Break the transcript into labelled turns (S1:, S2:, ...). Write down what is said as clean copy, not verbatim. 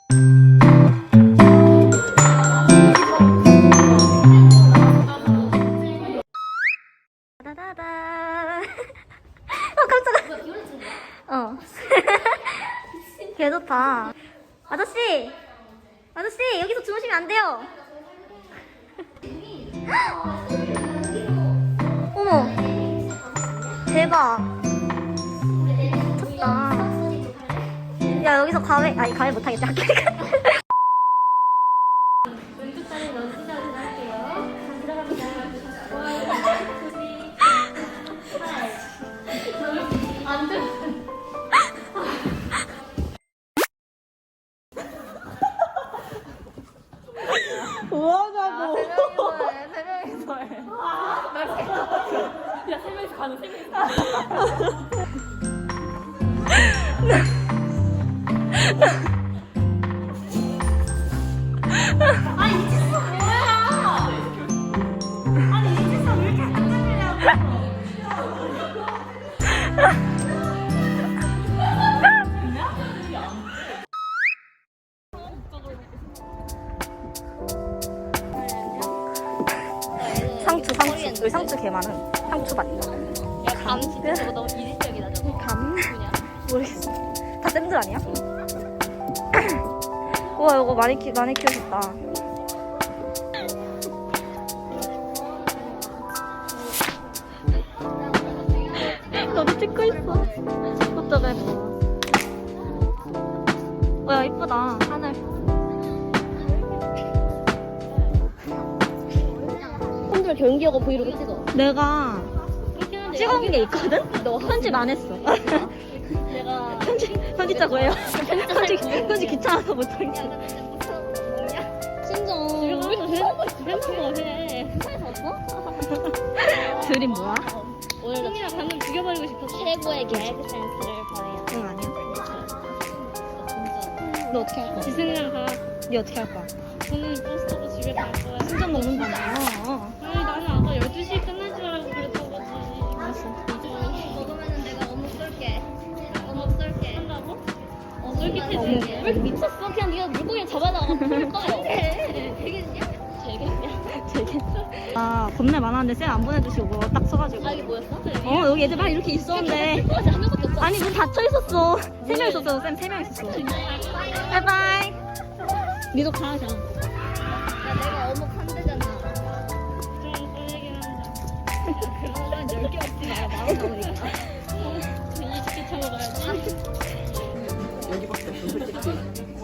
S1: 따다다다. 깜짝이야. 개 좋다. 아저씨 여기서 주무시면 안 돼요. 어머, 대박. 미쳤다. 야, 여기서 과외 못하겠다.
S2: 왼쪽 다리 넣으시면 할게요. 들어갑니다. 안 돼.
S1: 뭐하냐고.
S2: 세 명이서 해. 야, 세 명이서 가는 세 명이서. 아니, 이 짓은 뭐야? 아니, 이 짓은 왜 이렇게 깜짝이냐고.
S1: 상추 개 많은 상추밭.
S2: 야, 감 진짜 저거 너무 이질적이다, 저거.
S1: 감?
S2: 그냥.
S1: 모르겠어. 다 쌤들 아니야? 우와, 이거 많이 키우셨다. 너도 찍고 있어. 어쩌다 예뻐. 야, 이쁘다. 하늘.
S2: 손들 경기하고 브이로그 찍어.
S1: 내가 찍어온 게 있거든?
S2: 너
S1: 편집 안 했어.
S2: 내가
S1: 편집자 구해요. 편집 귀찮아서 못하겠어.
S2: 진짜 여기서 해놓은 거 해.
S1: 드림 뭐야?
S2: 오늘 승이랑 방금 죽여버리고 싶었어. 최고의 개그 센스를 보여요.
S1: 응, 아니야.
S2: 진짜.
S1: 너 어떻게 할 거야?
S2: 지승이랑 가.
S1: 니 어떻게 할 거야?
S2: 저는 버스 타고 집에 갈 거야.
S1: 순정 먹는다며.
S2: 아니 나는 아까 12시에 끝날 줄 알고 그랬던 거지.
S1: 알았어.
S2: 먹으면은 내가 어묵 쏠게. 어묵 쏠게. 한다고? 쫄깃해질게. 왜 이렇게 미쳤어? 그냥 네가 물고기 잡아다가 풀 거야. 되겠냐? 되겠냐?
S1: 아, 겁내 많았는데 쌤 안 보내주시고 그거 딱 써가지고.
S2: 아 이게 뭐였어?
S1: 여기 애들 막 이렇게 있었는데.
S2: 한 명밖에 없어.
S1: 아니, 문 닫혀 있었어. 3명 있었어. 쌤 3명 있었어. 바이바이. 니도 가, 그냥.
S2: 야 내가 어묵 한 대잖아. 좀 설레긴 한다. 그러면 10개 없지 마라. 마음 나오니까. 20개 참아가야지.
S3: 여기밖에 없어 솔직히.